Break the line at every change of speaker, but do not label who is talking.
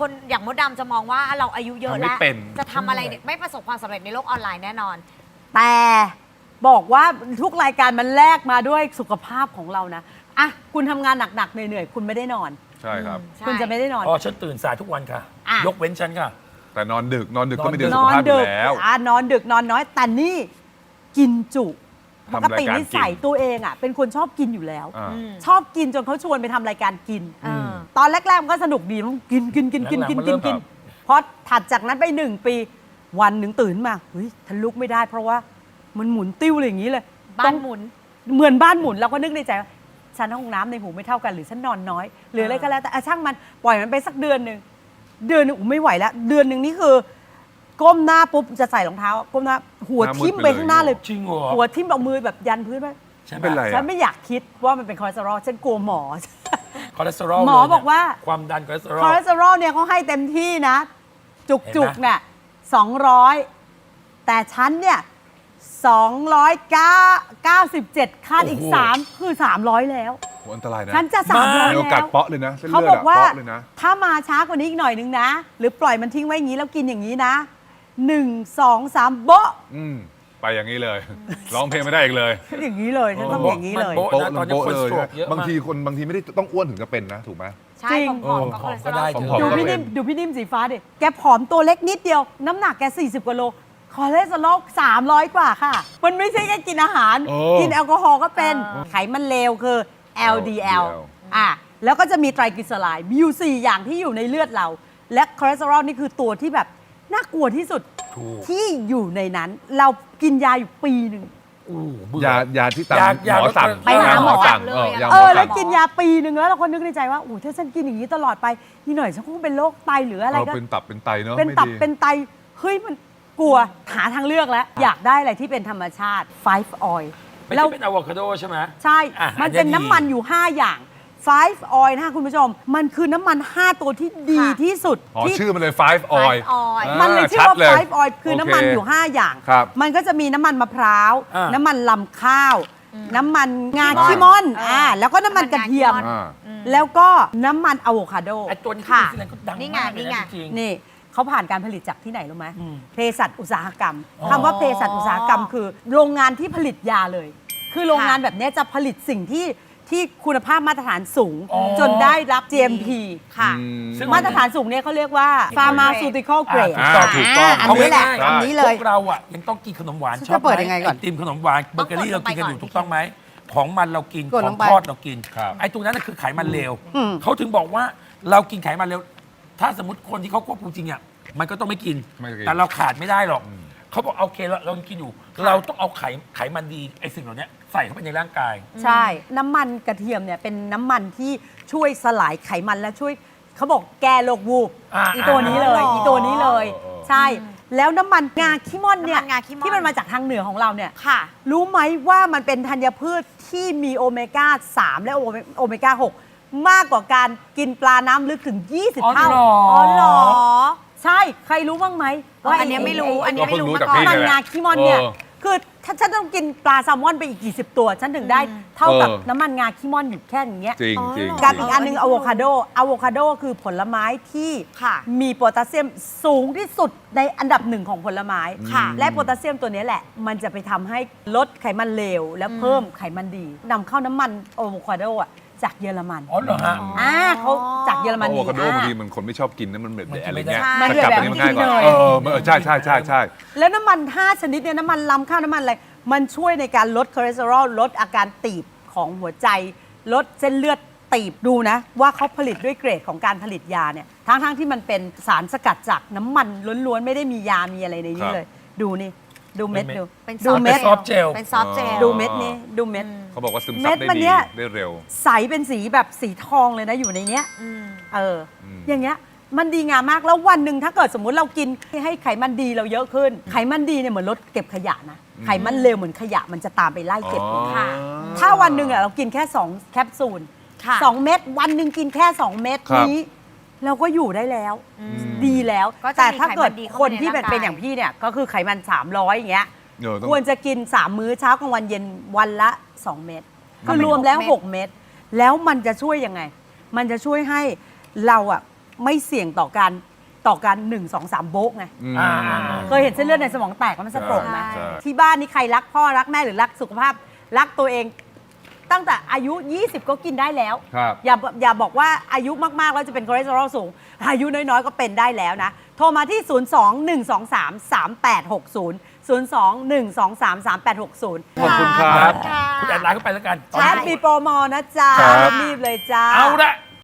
คนอย่างมดดำจะมองว่าเราอายุเยอะแล้วจะทำอะไรเนี่ยไม่ประสบความสำเร็จในโลกออนไลน์แน่นอน
แต่บอกว่าทุกรายการมันแลกมาด้วยสุขภาพของเรานะอ่ะคุณทำงานหนักๆเหนื่อยๆคุณไม่ได้นอน
ใช่ครับ
คุณจะไม่ได้นอน
ฉันตื่นสายทุกวันค่ะยกเว้นฉันค่ะ
แต่นอนดึกก็ไม่ดีสุขภาพอยู่แล้ว
นอนดึกนอนน้อยแต่นี่กินจุปกตินิสัยตัวเองอ่ะเป็นคนชอบกินอยู่แล้วชอบกินจนเขาชวนไปทำรายการกินตอนแรกๆมันก็สนุกดีมันกินพอถัดจากนั้นไป1 ปีวันหนึ่งตื่นมาเฮ้ยฉันลุกไม่ได้เพราะว่ามันหมุนติ้วเลยอย่างนี้เลย
บ้านหมุน
เหมือนบ้านหมุนเราก็นึกในใจว่าฉันห้องน้ำในหูไม่เท่ากันหรือฉันนอนน้อยหรืออะไรก็แล้วแต่ช่างมันปล่อยมันไปสักเดือนหนึ่งไม่ไหวแล้วเดือนหนึ่งนี่คือก้มหน้าปุ๊บจะใส่รองเท้าก้มหน้าหัวทิ่มไปข้างหน้าเลย
จริงเหรอ
หัวทิ่มเอามือแบบยันพื้นไป
ฉันเป็นไร
ฉันไม่อยากคิดว่ามันเป็นคอเลสเตอรอลฉันกลัวหมอ
คอเลสเตอรอล
หมอบอกว่า
ความดันคอเลสเตอรอล
เนี่ยเขาให้เต็มที่นะจุกเนี่ย200แต่ฉันเนี่ย297คาดอีก3คือ300แล้ว
อันตรายนะ
ฉันจะ300แล้ว
มีโอกาสเปาะเลยนะ
เขาบอกว่าถ้ามาช้ากว่านี้อีกหน่อยนึงนะหรือปล่อยมันทิ้งไว้อย่างนี้แล้วกินอย่างนี้นะ1 2 3โบ๊ะ
ไปอย่างนี้เลยร้องเพลงไม่ได้อีกเลย
อย่างนี้เลยฉันต้องอย่างนี้เลย
โป๊ะเลยบางทีไม่ได้ต้องอ้วนถึงจะเป็นนะถูกไหม
ใช่ผอมก็ได้
ดูพี่นิ่มสีฟ้าดิแกผอมตัวเล็กนิดเดียวน้ำหนักแก40 กว่าโลคอเลสเตอรอล300 กว่าค่ะมันไม่ใช่แค่กินอาหารกินแอลกอฮอล์ก็เป็นไขมันเลวคือ LDL แล้วก็จะมีไตรกลีเซอไรด์มีอยู่4อย่างที่อยู่ในเลือดเราและคอเลสเตอรอลนี่คือตัวที่แบบน่ากลัวที่สุดที่อยู่ในนั้นเรากินยาอยู่ปีหนึ่ง
ยาที่ตามหมอสั่ง
ไปหาหมอสั่ง
แ
ล้วกินยาปีหนึ่งแล้วเราก็นึกในใจว่าโอ้ถ้าฉันกินอย่างนี้ตลอดไปนี่หน่อยฉันคงเป็นโรคไตหรืออะไรก็
เป็นตับเป็นไตเนาะ
เป็นตับเป็นไตเฮ้ยมันกลัวหาทางเลือกแล้วอยากได้อะไรที่เป็นธรรมชาติ5 oil
แล้วเป็นอะโวคาโดใช่ไหม
ใช่มันเป็นน้ำมันอยู่5อย่าง5 oil นะคะคุณผู้ชมมันคือน้ำมัน5ตัวที่ดีที่สุด
ชื่อมันเลย5 oil
มันเลยชื่อว่า5 oil คือน้ำมันอยู่5อย่างมันก็จะมีน้ำมันมะพร้าวน้ำมันลำข้าวน้ำมันงาขี้ม่อนแล้วก็น้ำมันกระเทียมแล้วก็น้ำมันอะโวคาโด
ตัวนี้ก็ดังมากเลยจริง
นี่เขาผ่านการผลิตจากที่ไหนรู้ไหมเภสัชอุตสาหกรรมคำว่าเภสัชอุตสาหกรรมคือโรงงานที่ผลิตยาเลยคือโรงงานแบบนี้จะผลิตสิ่งที่คุณภาพมาตรฐานสูงจนได้รับ GMP ค่ะมาตรฐานสูงเนี่ยเขาเรียกว่า pharmaceutical grade
ถูกต้อง
อันนี้แหละอันนี้เลย
พวกเราอ่ะยังต้องกินขนมหวานชอบ
เปิดยังไงก่อน
ติมขนมหวานเบเกอรี่เรากินกันอยู่ถูกต้องไหมของมันเรากินของทอดเรากินไอ้ตรงนั้นคือไขมันเลวเขาถึงบอกว่าเรากินไขมันเลวถ้าสมมติคนที่เขาควบคุมจริงอ่ะมันก็ต้องไม่กินแต่เราขาดไม่ได้หรอกเขาบอกโอเคเรากินอยู่เราต้องเอาไขมันดีไอ้สิ่งเหล่านี้ใส่เข้าไปในร่างกาย
ใช่น้ำมันกระเทียมเนี่ยเป็นน้ำมันที่ช่วยสลายไขมันและช่วยเขาบอกแก้โรควูบตัวนี้เลยใช่แล้วน้ำมันงาขี้ม่อนเนี่ยที่มันมาจากทางเหนือของเราเนี่ยรู้ไหมว่ามันเป็นธัญพืชที่มีโอเมก้า3และโอเมก้า6มากกว่าการกินปลาน้ำลึกถึง20 เท่า
หรอ
ใช่ใครรู้บ้างไหม
ว่าอันนี้ไม่รู้มาก่อน
น้ำมันงาขี้ม่อนเนี่ยคือถ้าฉันต้องกินปลาแซลมอนไปอีกกี่10 ตัวฉันถึงได้เท่ากับน้ำมันงาขี้ม่อนอยู่แค่อย่างเงี้ย
จริง
กับอีกอันนึงอะโวคาโดคือผลไม้ที่มีโพแทสเซียมสูงที่สุดในอันดับ1ของผลไม้และโพแทสเซียมตัวนี้แหละมันจะไปทำให้ลดไขมันเลวและเพิ่มไขมันดีนำเข้าน้ำมันอะโวคาโดจากเยอรมัน
เหรอฮะ
เขาจากเยอรมนี
อะโวคาโดบางทีมันคนไม่ชอบกินนะมันเหม็นอะไรเงี้ย
มันแบบนี้ง่ายกว่า
ใช่
แล้วน้ำมัน5 ชนิดเนี่ยน้ำมันลำข้าวน้ำมันอะไรมันช่วยในการลดคอเลสเตอรอลลดอาการตีบของหัวใจลดเส้นเลือดตีบดูนะว่าเขาผลิตด้วยเกรดของการผลิตยาเนี่ยทั้งที่มันเป็นสารสกัดจากน้ำมันล้วนๆไม่ได้มียามีอะไรในนี้เลยดูนี่ดูเม็ดดู
เม็ดซอฟเจล
ดูเม็ดนี้ดูเม็ด
เขาบอกว่าซึมซับได้ดีได้เร็ว
ใสเป็นสีแบบสีทองเลยนะอยู่ในเนี้ยอย่างเงี้ยมันดีงามมากแล้ววันหนึ่งถ้าเกิดสมมุติเรากินให้ไขมันดีเราเยอะขึ้นไขมันดีเนี่ยเหมือนลดเก็บขยะนะไขมันเลวเหมือนขยะมันจะตามไปไล่เก็บค่ะถ้าวันหนึ่งเรากินแค่2 แคปซูล2 เม็ดวันหนึ่งกินแค่2 เม็ดนี้เราก็อยู่ได้แล้วดีแล้วแต่ถ้าเกิดคนที่เป็นอย่างพี่เนี่ยก็คือไขมัน300อย่างเงี้ยควรจะกิน3 มื้อเช้ากลางวันเย็นวันละ2 เม็ดคือรวมแล้ว6 เม็ดแล้วมันจะช่วยยังไงมันจะช่วยให้เราอ่ะไม่เสี่ยงต่อการ1 2 3โบกไง
อ่า
เคยเห็นเส้นเลือดในสมองแตกแล้วมันสะโตรกไหม
ใช่
ที่บ้านนี่ใครรักพ่อรักแม่หรือรักสุขภาพรักตัวเอง ตั้งแต่อายุ 20 ก็กินได้แล้ว
ครับ
อย่าบอกว่าอายุมากๆแล้วจะเป็นคอเลสเตอรอลสูง อายุน้อยๆก็เป็นได้แล้วนะ โทรมาที่ 02-123-3860
ขอบคุณครับ
คุณแอดไลน์เข้าไปแล้วกัน
แชทมีโปรโมนะจ๊ะ
ครับ
รีบๆเลยจ้า
เอาละ